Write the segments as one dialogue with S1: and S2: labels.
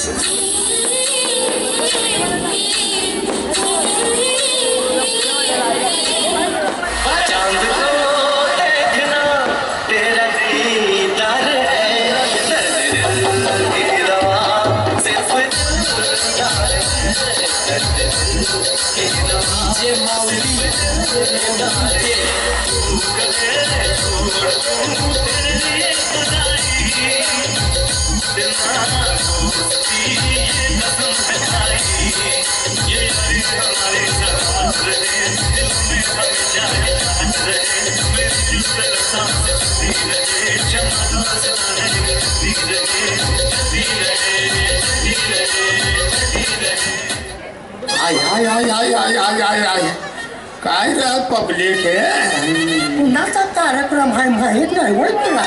S1: काय रे पब्लिक आहे
S2: कुणाचा कार्यक्रम आहे माहीत नाही होय तुला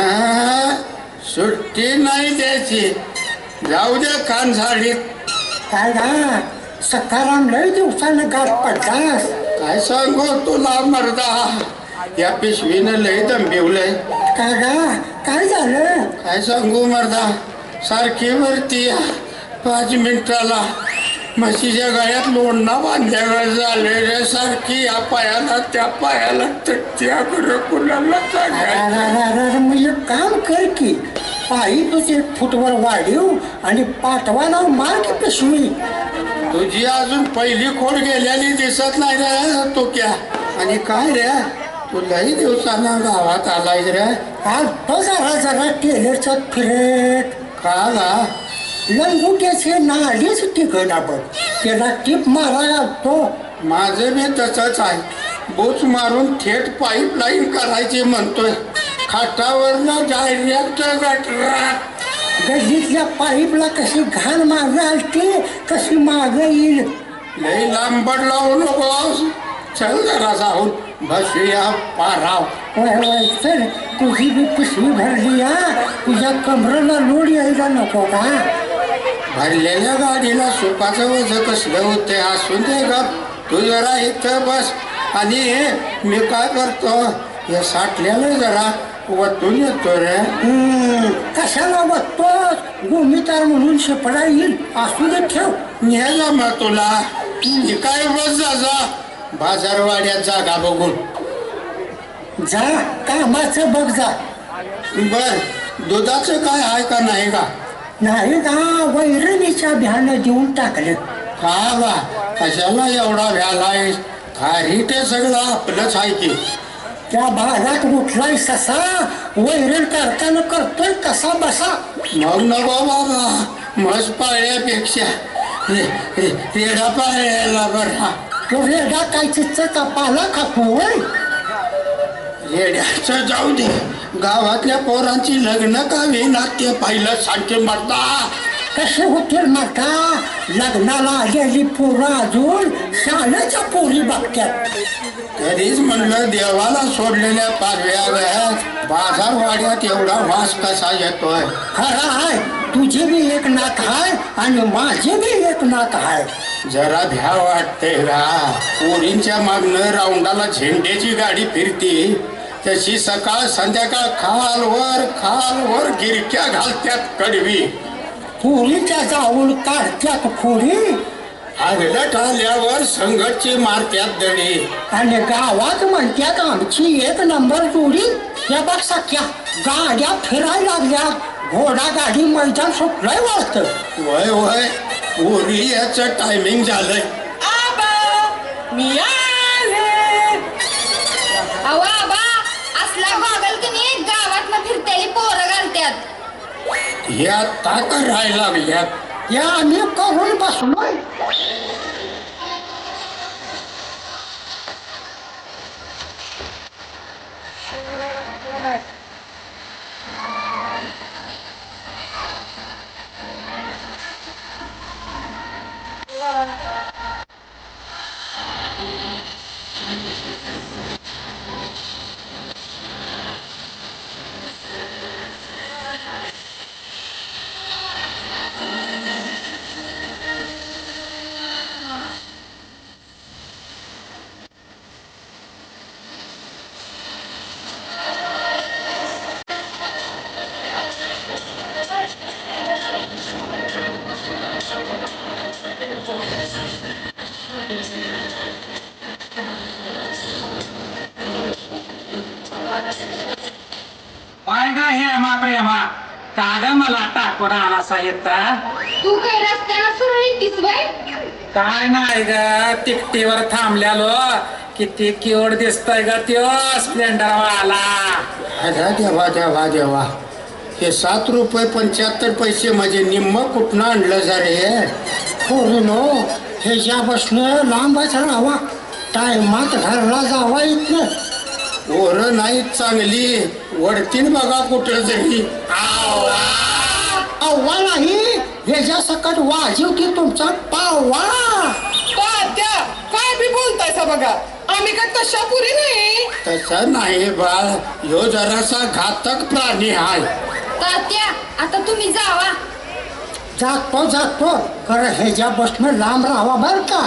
S1: सुट्टी नाही द्यायची जाऊ दे कान साडीत
S2: काय ना सकाराम लय दिवसानं गाठ पडतास
S1: काय सांगू तुला मर्दा या पिशवीनं लय दंबिवलंय
S2: काय गा काय झालं
S1: काय सांगू मर्दा सारखी वरती 5 मिनिटाला म्हशीच्या गळ्यात लोणना बांधल्यावर झाले रे सारखी या पायाला त्या पायाला त्याकडे कुणाला
S2: मग एक काम कर की पायी तुझे फुटवर वाढीव आणि पाठवाला मार की पिशवी
S1: तुझी अजून पहिली खोड गेलेली दिसत नाही रे तो क्या आणि काय रे तू लई दिवसांना गावात आलाय रे
S2: आज तो जरा टेलरचा फिरत
S1: का गा
S2: लंगुट्याचे नालीच टिकण आपण त्याला टीप मारा लागतो
S1: माझं बी तसंच आहे बोच मारून थेट पाईपलाईन करायची म्हणतोय खाटावरनं डायरेक्ट गटरात
S2: गल्लीतल्या पाईपला कशी घाण मागं आलती कशी मागं येईल
S1: लई लांबड लावू नको चल जरा जाऊन बसूया पाराव
S2: वय सर तुझी बी पिशवी भरली तुझ्या कमरेला लोड यायला नको का
S1: भरलेल्या गाडीला सुपाचं वजन कसलं होते असून दे ग तू जरा इथं बस आणि मी काय करतो हे साठल्याला जरा वतून येतो रे
S2: कशाला वततोस गोमितार म्हणून शेपडा येईल असू दे ठेव
S1: न्यायला मग तुला काय बस जा बाजारवाड्यात जागा बघून
S2: जा कामाचं बघ जा
S1: बर दुधाचं काय आहे का नाही का
S2: नाही का वैरणीच्या भ्यानं देऊन टाकलं
S1: का बा कशाला एवढा व्यालाय खारी ते सगळं आपलंच आहे की
S2: त्या भागात उठलाय ससा वैरण करताना करतोय कसा बसा
S1: मग नको बाबा म्हस पाळल्यापेक्षा रेडा पाळल्याला बरा
S2: तो रेडा काय चिच्चा पाला खातोय
S1: रेड्याचं जाऊ दे गावातल्या पोरांची लग्न का विना ते पाहिलं सांगते मरता
S2: कसे होतील माता लग्नाला आलेली पोरं अजून शाळेच्या पोरी बघतात
S1: तरीच म्हणलं देवाला सोडलेल्या पारव्या बाजारवाड्यात एवढा वास कसा येतोय
S2: खरा आहे तुझी बी एक नात आहे आणि माझी बी एक नात आहे
S1: जरा भ्या वाटते रा पोरींच्या मागणं राऊंडाला झेंड्याची गाडी फिरती तशी सकाळ संध्याकाळ खालवर गिरक्या घालत्यात कडवी
S2: पोरीच्या जाऊन काढत्यात खोरी
S1: आगलट आल्यावर संघटची मारत्यात दडी
S2: आणि गावात म्हणत्यात आमची एक नंबर जोडी या बघ सख्या गाड्या फिरायला लागल्या घोडा गाडी मैदान सुटलंय वाटतं
S1: वय वय पोरी याचं टायमिंग झालंय
S3: मी आबा असला गॉगल की नाही गावात न फिरतेली पोरं घालत्यात
S1: ह्या आता करायला लागल्यात
S2: या आम्ही करून बसलोय हेमा प्रेमा काग मला टाकून आला साहित्य
S3: तू काय रस्त्याला सरळ येतीस बाय?
S2: काय नाही ग तिकटीवर थांबल्यालो किती क्यूट दिसतोय ग त्यो स्प्लेंडर वाला
S1: अरे देवा देवा देवा हे 7 रुपये 75 पैसे म्हणजे निम्म कुठनं आणलं जा रे
S2: पोरीनो ह्याच्या बसणं लांबच राहावा टायमात घरला जावा इथनं
S1: पोरं नाहीत चांगली वडतीन बघा कुठं तरी
S2: अव्वा नाही ह्याच्या सकट वाजीव की तुमचा पावा
S4: तात्या काय बी बोलतायसा बघा आम्ही काय तशा पुरी नाही.
S1: तसं नाही बाळ ह्यो जरासा घातक प्राणी आहे.
S3: तात्या आता तुम्ही जावा.
S2: जातो खरं ह्याच्या बसणं लांब राहावा बर का.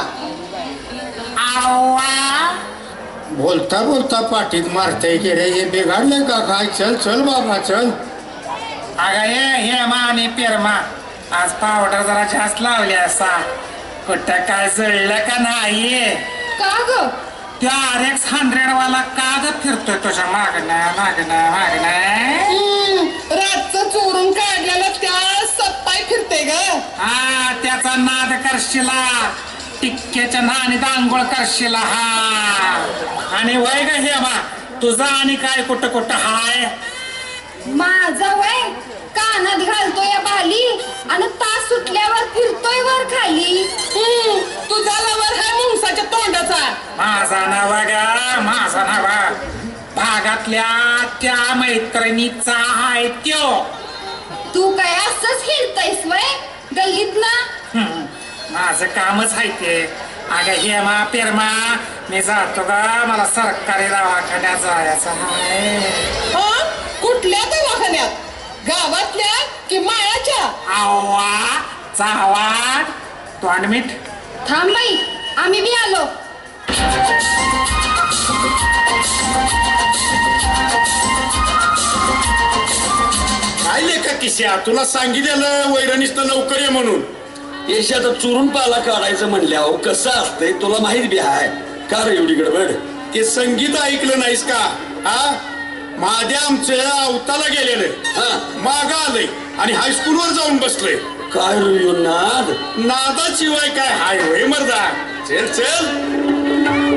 S1: बोलता बोलता पाठीत मारताय की रे हे बिघडले का काय चल चल बाबा चल.
S2: अगं हे मा आणि पेरमा आज पावडर जरा जास्त लावली असा कुठं काय जळलं का नाही.
S3: का ग?
S2: त्या RX-100 वाला काग फिरतोय तुझ्या मागणं
S4: रातचं चोरून काढलेलं त्या सप्पाय फिरते ग.
S2: हा त्याचा नाद करशिला टिक्क्याच्या नाणीत आंघोळ करशिला हा. आणि वय ग हे मा तुझा आणि काय कुठं कुठं हाय.
S3: माझा वय कानात घालतोय या बाली आणि तास सुटल्यावर फिरतोय वर खाली.
S4: तुझा लवर हा मुंगसाच्या तोंडाचा.
S2: माझा नाव ग माझा नाव भागातल्या त्या मैत्रिणीचा आहे त्यो.
S3: तू काय असंच हिरतायस वय गल्लीत ना.
S2: माझं कामच आहे ते. अगं हेमा पेरमा मी जातो ग मला सरकारी दवाखान्यात जायचं आहे.
S4: कुठल्या दवाखान्यात गावातल्या की माळाच्या.
S2: आवा चावाट तोंड मीठ.
S3: थांब बाई आम्ही बी आलो.
S1: काय लेखा किस्या तुला सांगितलेलं वैरणीचं लवकर ये म्हणून.
S5: येशात चुरून पाला काढायचं म्हणल्यावर कसं असतंय तुला माहित बी आहे का रे एवढी गडबड.
S1: ते संगीत ऐकलं नाहीस का हा. महाद्या आमचं अवताला गेलेलं
S5: हा
S1: माग आलंय आणि हायस्कूलवर जाऊन बसलोय.
S5: काय रे नाद
S1: नादाशिवाय काय हाय होय मर्दा. चल चल.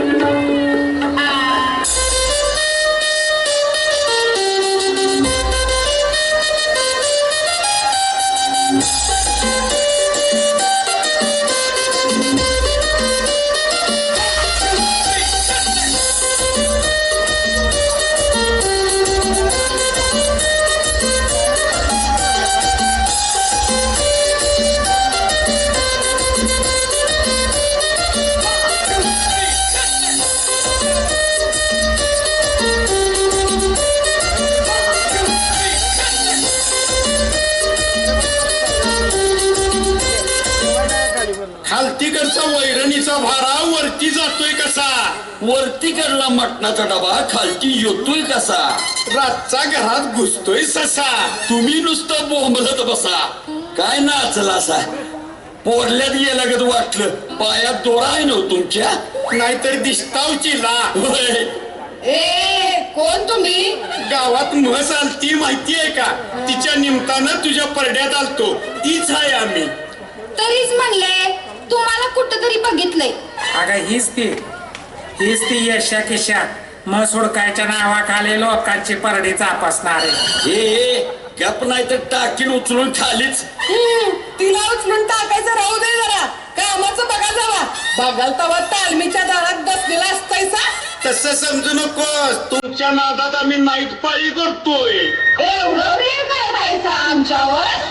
S1: खालतीकडचा वैरणीचा भारा वरती जातोय कसा.
S5: वरती कडला मटणाचा डबा खालती येतोय कसा.
S1: रातचा घरात घुसतोय ससा.
S5: तुम्ही नुसतं बोंबलत बसा. काय नाचला असा पोरल्यात गेल्यागत वाटलं. पायात दोरा आहे ना तुमच्या.
S1: नाहीतर दिसतावची ला.
S5: होय.
S4: ए कोण तुम्ही.
S1: गावात म्हस आलती माहितीये का. तिच्या निमतानं तुझ्या परड्यात आलतो. तीच आहे आम्ही.
S3: तरीच म्हणले तुम्हाला कुठं तरी बघितलंय.
S2: अगं हीच ती यशा किशा मग सोडकायच्या नावाखाली लोकांची परडी चापसणारे.
S5: हे गप नाही तर टाकीन उचलून खालीच.
S4: तिला उचलून टाकायचं राहू दे जरा. कामाचं बघा जावा. बघाल तवा तालमीच्या दारात बसलेला असतायचा.
S1: तसं समजू नकोस. तुमच्या नादात आम्ही नाईट पाळी करतोय.
S4: एवढं प्रेम करायचं आमच्यावर.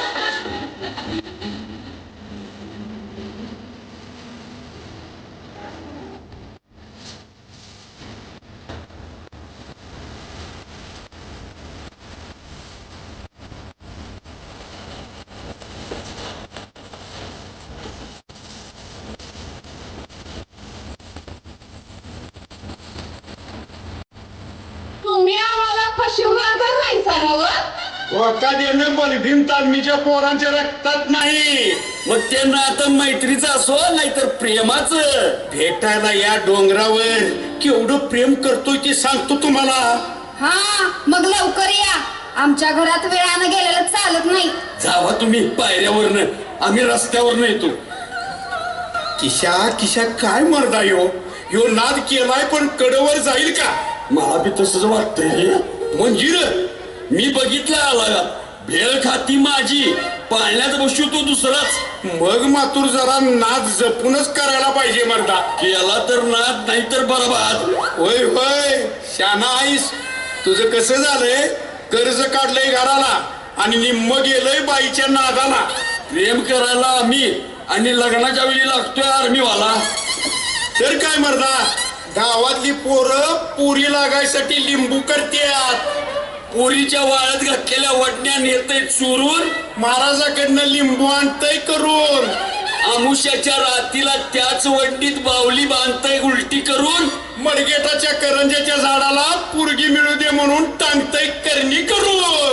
S4: तुम्ही आम्हाला फशीवणार राहायचा नव.
S1: धोका देणं बलभीम तालमीच्या पोरांच्या रक्तात नाही.
S5: मग ते नातं मैत्रीचं असो नाहीतर प्रेमाचं.
S1: भेटायला या डोंगरावर केवढं प्रेम करतोय ते सांगतो तुम्हाला.
S3: हा मग लवकर या. आमच्या घरात वेळानं गेलेलं चालत नाही.
S5: जावा तुम्ही पायऱ्यावरनं, आम्ही रस्त्यावरनं येतो.
S1: किशा किशा काय मर्दा ह्यो नाद केलाय पण कडवर जाईल का?
S5: मला बी तसंच वाटतंय.
S1: मंजिर
S5: मी बघितलं आला भेळ खाती माझी, पाळण्यात बसू तो दुसराच.
S1: मग मातूर जरा नाद जपूनच करायला पाहिजे मर्दा.
S5: केला तर नाद, नाही तर बरबाद.
S1: होय होय शाना आईस. तुझं कसं झालंय, कर्ज काढलंय घराला आणि निम्म गेलंय बाईच्या नादाला.
S5: प्रेम करायला आम्ही आणि लग्नाच्या वेळी लागतोय आर्मीवाला.
S1: तर काय मर्दा, गावातली पोरं पुरी लागायसाठी लिंबू करतात.
S5: पोरीच्या वाळ्यात घातलेल्या वडण्या नेतय चोरून,
S1: महाराजाकडनं लिंबू आणतय करून.
S5: आमुष्याच्या रातीला त्याच वडणीत बावली बांधतय उलटी करून.
S1: मडगेटाच्या करंजाच्या झाडाला पुरगी मिळू दे म्हणून टांगतय करणी करून.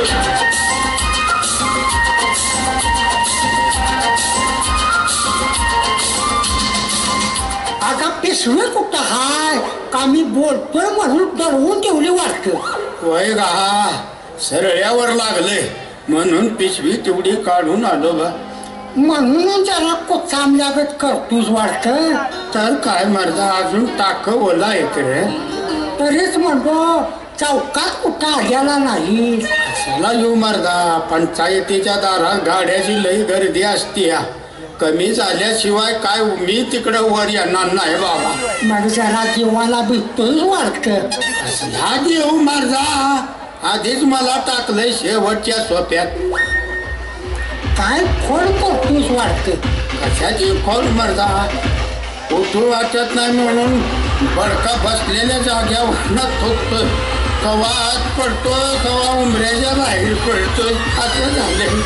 S6: आता पिसवे कुठं हाय का मी बोलतोय म्हणून डरवून ठेवली वाटत.
S1: वय गा सरळ्यावर लागले म्हणून पिशवी तेवढी काढून आलो बा.
S6: म्हणून जरा कोचाम लागत करतोस वाटत.
S1: तर काय मर्दा, अजून टाक ओला इकडे.
S6: तरीच म्हणतो चौकात कुठं आल्याला नाही.
S1: चला येऊ मर्दा, पंचायतीच्या दारात गाड्याची लई गर्दी असते. कमी झाल्याशिवाय काय मी तिकडं वर येणार नाही बाबा.
S6: मग जरा जीवाला भेटतोय वाटत.
S1: असला देऊ मर्दा, आधीच मला टाकलंय शेवटच्या सोप्यात.
S6: काय खोड करतोस वाटत.
S1: कशाची खोल मर्दा, उठू वाटत नाही म्हणून बडका बसलेल्या जाग्यावर थोकतोय. कवा आत पडतोय, कवा उमऱ्याच्या बाहेर पडतोय, असं झालंय.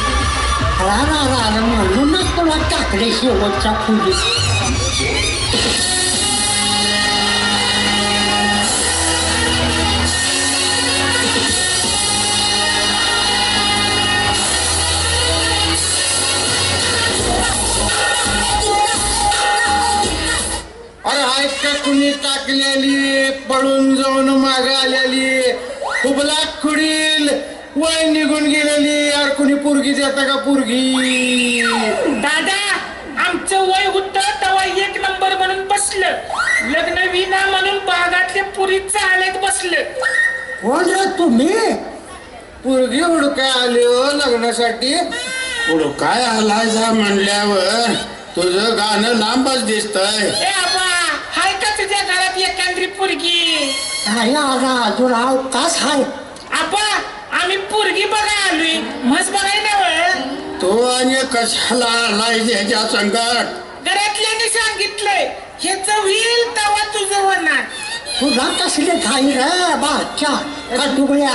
S6: म्हणूनच तुला टाकले शेवटच्या खोलीत.
S1: अरे आहेत का कुणी टाकलेली, पळून जाऊन माग आलेली, खुबला खुडील वय निघून गेलेली. यार कुणी पोरगी देता का पोरगी?
S2: दादा, आमचं वय होत तेव्हा एक नंबर म्हणून बसलं. लग्न विना म्हणून बागातल्या पुरी चालत बसलं.
S6: कोण रे तुम्ही?
S1: पोरगी हुडकाय आली हो लग्नासाठी. हुडकाय आलाय जा म्हणल्यावर तुझं गाणं लांबच दिसतंय.
S2: ए आबा, हाय का तुझ्या घरात एखादी पुरगी?
S6: नाही अजून तास हाय.
S2: आबा, आम्ही पुरगी बघा आलोय, म्हस बघाय नव्हे.
S1: तो आणि कशाला आलाय ह्याच्या संकट?
S2: घरातल्याने सांगितलंय ह्याच होईल तेव्हा तुझं होणार.
S6: तुझा कसले घाई रे बाच्या खटुबळ्या.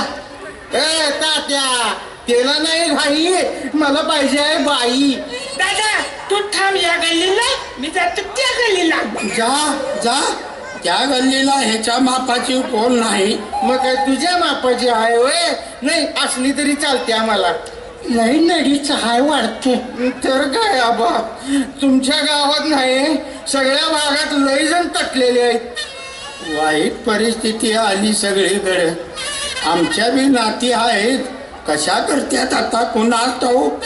S1: ए तात्या, त्याला नाही घाई, मला पाहिजे आहे बाई.
S2: दादा, तू थांब या गल्लीला, मी जातो त्या गल्लीला.
S1: जा जा, त्या गल्लीला ह्याच्या मापाची कोण नाही. मग काय तुझ्या मापाची आहे होय? नाही असली तरी चालते आम्हाला.
S6: लई नडीच हाय वाढते.
S1: तर काय आबा, तुमच्या गावात नाही सगळ्या भागात लई जण तटलेले आहेत. वाईट परिस्थिती आली सगळीकडे. आमच्या बी नाती आहेत, कशा करत्यात आता कुणास ठाऊक.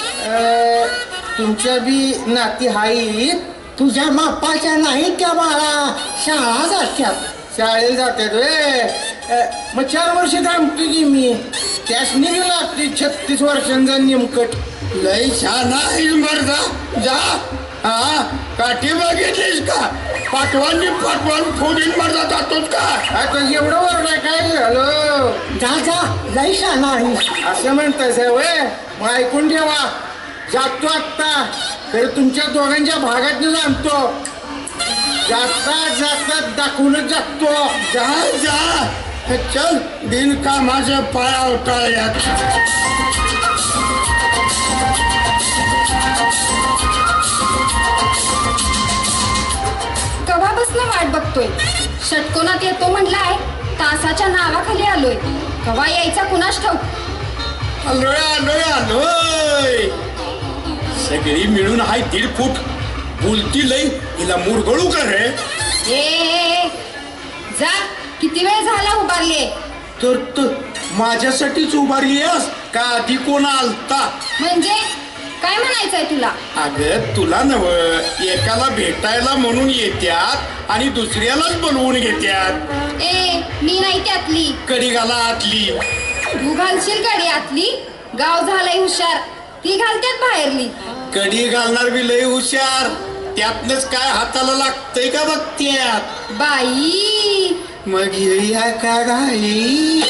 S1: तुमच्या बी नाती आहेत.
S6: तुझ्या मापाच्या नाही त्या बाळा, शाळा जात्यात.
S1: शाळेला जातात वे. मग 4 वर्ष थांबतो की मी. त्यासनी बी लागते 36 वर्षांचा नेमकट. लय छान आहे मर्दा. जा. हा, काठी बघितलीस का? पाठवांनी पाठवान फोडीन मर्दा जातोच का? आता एवढं वरडाय काय झालं?
S6: जा जा, लई शाळा आहे.
S1: असं म्हणताय साहेब होय? मग ऐकून ठेवा, जातो आत्ता, तर तुमच्या दोघांच्या भागात जाणतो. जाता जाता दाखवूनच जातो. जा जा, चल बिनकामाच्या पाया उठाळ्यात.
S3: कवापासनं वाट बघतोय. षटकोनात येतो म्हणलाय, तासाच्या नावाखाली आलोय. कवा यायचा कुणास ठाऊक.
S1: आलोय आलोय आलोय. सगळी मिळून हाय 1.5 फूट. बोलती लई, हिला मुरगळू का रे?
S3: ए जा, किती वेळ झाला उभारले.
S1: तर माझ्यासाठीच उभारली आहेस? का आधी कोण आलता?
S3: म्हणजे काय म्हणायचंय तुला?
S1: अगं तुला नव, एकाला भेटायला म्हणून येत्यात आणि दुसऱ्यालाच बोलवून घेत्यात.
S3: ए मी नाही त्यातली.
S1: कडी घाला आतली.
S3: तू घालशील कडी आतली? गाव झालंय हुशार, ती घालत्यात बाहेरली.
S1: कडी घालणार बी लय हुशार, त्यातनच काय हाताला लागतंय का बघत्यात.
S3: बाई
S1: मग येऊया का घाई?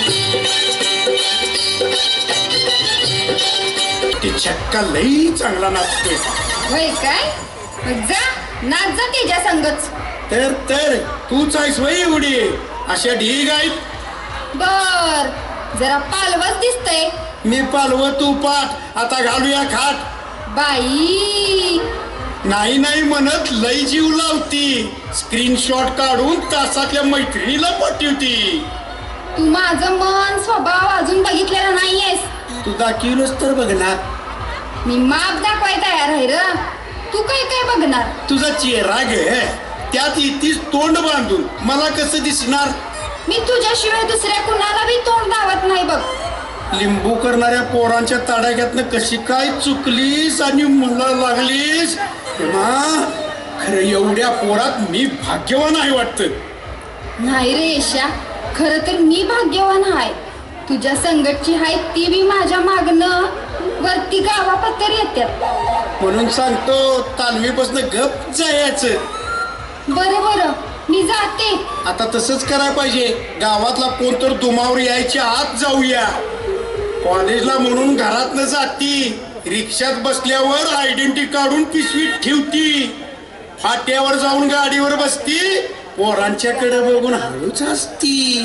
S1: ते छक्का लई चांगला नाचतोय.
S3: होय काय? मग जा नाच जा त्याच्या संगच.
S1: तर तूच आहेस वय एवढी? अशा ढीग आहेत.
S3: बर जरा पालवच दिसतय.
S1: मी पालव तू पाठ. आता घालूया खाट.
S3: बाई
S1: नाही नाही म्हणत लई जीव लावती. स्क्रीनशॉट काढून तासातल्या मैत्रिणीला पाठवती.
S3: तू माझं मन स्वभाव अजून बघितलेला नाहीयेस.
S1: तू दाखवलंच तर बघणार.
S3: मी माप दाखवाय तयार आहे र. तू काय काय बघणार?
S1: तुझा चेहरा ग, त्यात इथेच तोंड बांधून मला कसं दिसणार?
S3: मी तुझ्याशिवाय दुसऱ्या कुणाला बी तोंड दावत नाही बघ.
S1: लिंबू करणाऱ्या पोरांच्या तडाख्यातनं कशी काय चुकलीस आणि मला लागलीस? खरं एवढ्या पोरात मी भाग्यवान आहे वाटतं.
S3: नाही रे यशा, खर तर मी भाग्यवान आहे. तुझ्या संगतची आहे ती बी माझ्या मागणं वरती गावापत्तर येतात.
S1: म्हणून सांगतो तालमीपासून गप जायचं.
S3: बरं बरं मी जाते.
S1: आता तसंच करायला पाहिजे. गावातला कोण तर दुमावर यायच्या आत जाऊया. कॉलेजला म्हणून घरात न जाती, रिक्षात बसल्यावर आयडेंटिटी काढून पिशवीत ठेवती. फाट्यावर जाऊन गाडीवर बसती, पोरांच्याकडे बघून हळूच असती.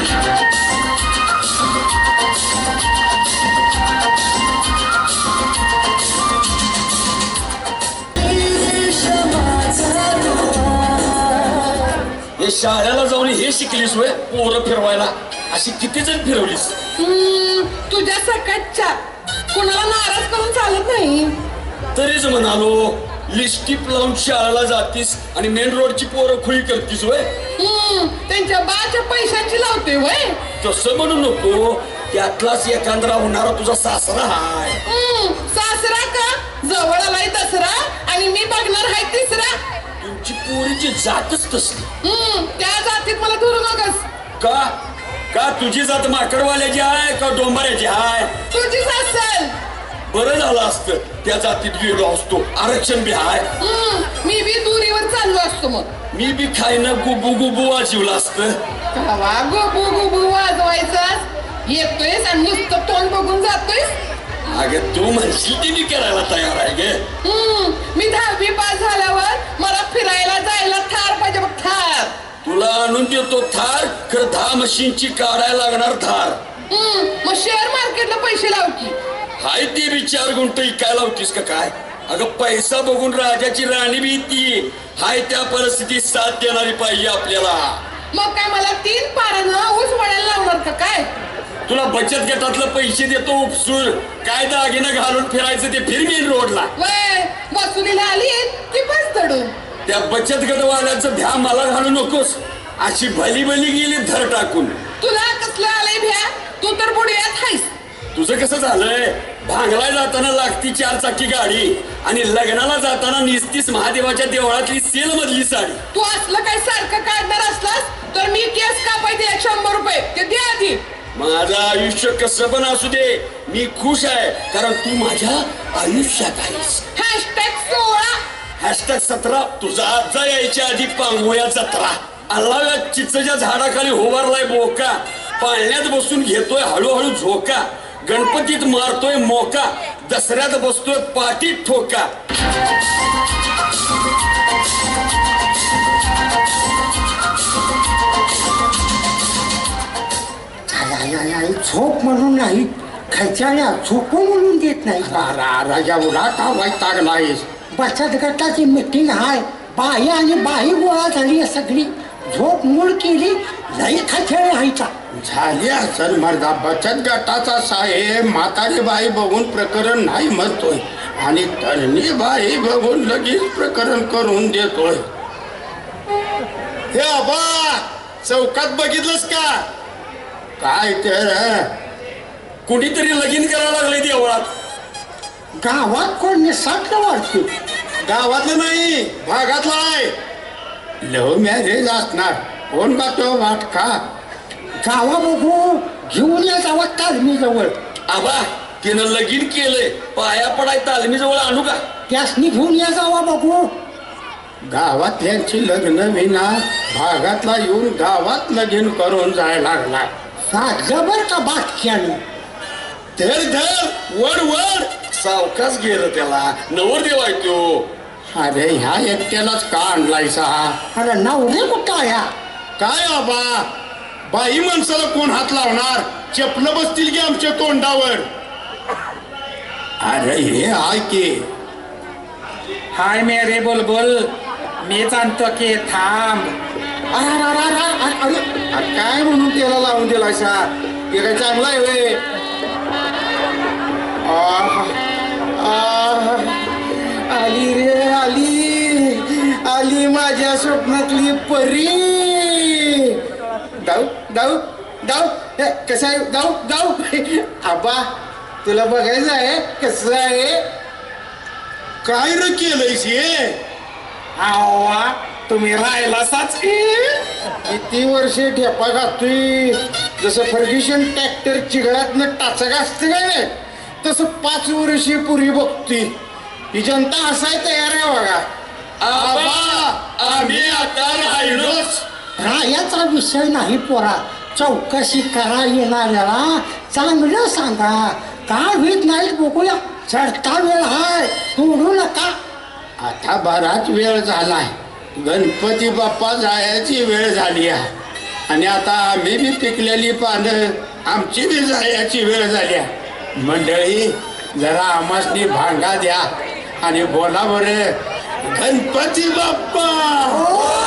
S5: हे शाळेला जाऊन हे शिकलीस वय पोरं फिरवायला? अशी किती जण फिरवलीस?
S4: तुझ्या सकटच्या कोणाला नाराज करून चालत नाही.
S5: तरीच म्हणालो, लिस्टिप लावून शाळेला जातीस आणि मेन रोडची पोरं खुळी करतीस वय.
S4: त्यांच्या बाच्या पैशांची लावते वय.
S5: तसं म्हणू नको, त्यातलाच एकांद्रा होणारा तुझा सासरा हाय.
S4: सासरा का? जवळ आलाय दसरा आणि मी बघणार आहे तिसरा.
S5: तुमची पोरीची जातच तसली.
S4: त्या जातीत मला धरू नकस.
S5: का का तुझी जात माकडवाल्याची आहे का डोंबऱ्याची आहे?
S4: तुझीच असेल.
S5: बरं झालं असतं त्या जातीत गेलो असतो. आरक्षण बी हाय.
S4: मी बी दुरीवर चाललो असतो. मग
S5: मी बी खायनं गुबू गुबू वाजवलं असतं.
S4: कवा गुबू गुबू वाजवायचं? येतोयस आणि नुसतं तोंड बघून जातोयस.
S5: अगं तू म्हणशील ती मी करायला तयार आहे गे.
S4: मी 10वी पास झाल्यावर मला फिरायला जायला थार पाहिजे बघ, थार.
S5: तुला आणून देतो थार, खरं 10 मशीनची काढायला लागणार थार.
S4: मग शेअर मार्केटला पैसे लाव की.
S5: हाय ते बी 4 गुंठ इकाय लावतीस का काय? अगं पैसा बघून राजाची राणी बी ती हाय त्या परिस्थितीत साथ देणारी पाहिजे आपल्याला.
S4: मग काय मला 3 पारानं ऊस वळायला लावणार का काय?
S5: तुला बचत गटातलं पैसे देतो उपसूर, काय दागिनं घालून फिरायचं ते फिर मेन रोडला.
S4: वय वसुलीला आली की बस चढून.
S5: त्या बचत गटवाल्याचं भ्या मला घालू नकोस. अशी भली भली गेली धर टाकून.
S4: तुला कसलं आलंय भ्या? तू तर बुडयात हायस.
S5: तुझं कसं झालंय? भांगला जाताना लागती 4 चाकी गाडी आणि लग्नाला जाताना निस्तीस महादेवाच्या देवळातली सेल मधली साडी.
S4: तू असलं काय सारखं काढणार असलास तर मी केस कापायचे 100 रुपये ते दे आधी.
S5: माझं आयुष्य कसं पण असू दे, मी खुश आहे कारण तू माझ्या आयुष्यात आहेस.
S4: #16
S5: #17 तुझा आजचा यायच्या आधी पांगोया जत्रा. अल्लाव्या चिचच्या झाडाखाली होवारलाय बोका, पाळण्यात बसून घेतोय हळूहळू झोका, गणपतीत मारतोय मोका, दसऱ्यात बसतोय पाठीत ठोका.
S6: झोप म्हणून नाही, खर्चाला झोपू म्हणून देत नाही.
S1: राजा उडा का वैतागला आहेस?
S6: बचत गटाची मीटिंग आहे. बाई आणि बाई गोळा झाली आहे सगळी. झोप मूळ केली, लई खचळ व्हायचा.
S1: झाली असेल मर्दा. बचत गटाचा साहेब म्हातारी बाई बघून प्रकरण नाही म्हणतोय आणि तरणी बाई बघून लगेच प्रकरण करून देतोय. हे आबा, चौकात बघितलंस का? काय तर
S5: कुणीतरी लगीन करायला लागले देवळात.
S6: गावात कोण निसटलं वाटतं.
S1: गावातलं नाही, भागातला आहे. लव्ह मॅरेज असणार. कोण का तो वाटका?
S6: गावा बघू घेऊन या जावा तालमीजवळ.
S5: आबा तिनं लगीन केलंय, पाया पडाय तालमीजवळ आणू का?
S6: त्यासनी घेऊन या जावा बघू.
S1: गावातल्यांची लग्न विना भागातला येऊन गावात लगीन करून जायला लागला.
S6: जबर का बाटक्यानं.
S5: धर धर वड वड. सावकाश गेलं त्याला, नवरदेव आहे तो.
S1: अरे ह्या एकट्यालाच का आणलायसा?
S6: अरे नवरे कुठं या.
S1: काय आबा, बाई माणसाला कोण हात लावणार? चपलं बसतील की आमच्या तोंडावर. अरे हे आहे की.
S2: हाय मेरे बुलबुल, मीच आणतो की, थांब.
S1: अरे काय म्हणून त्याला लावून दिलायसा? ते काय चांगला आहे व्हय?
S6: आली रे आली माझ्या स्वप्नातली परी.
S1: जाऊ जाऊ जाऊ. कसं आहे? जाऊ जाऊ. आबा तुला बघायचं आहे कसं आहे? काय र केलंयस हे?
S2: आवा तुम्ही राहिलासाच की.
S1: किती वर्षे ठेपा घातोय. जसं फर्ग्युशन ट्रॅक्टर चिघळातनं टाचा घासते काय, तसं 5 वर्षे पूर्वी बघतोय. ही जनता हसाय तयार आहे बघा.
S5: आबा आम्ही आता राहिलोच.
S6: रायाचा विषय नाही पोरा. चौकशी करा येणाऱ्याला चांगलं सांगा. काय होत नाही बघूया. चढता वेळ हाय, सोडू नका.
S1: आता बराच वेळ झालाय. गणपती बाप्पा जायची वेळ झाली आहे. आणि आता आम्ही बी पिकलेली पानं, आमची बी जायची वेळ झाली आहे. मंडळी जरा आमासनी भांगा द्या आणि बोला बरं, गणपती बाप्पा.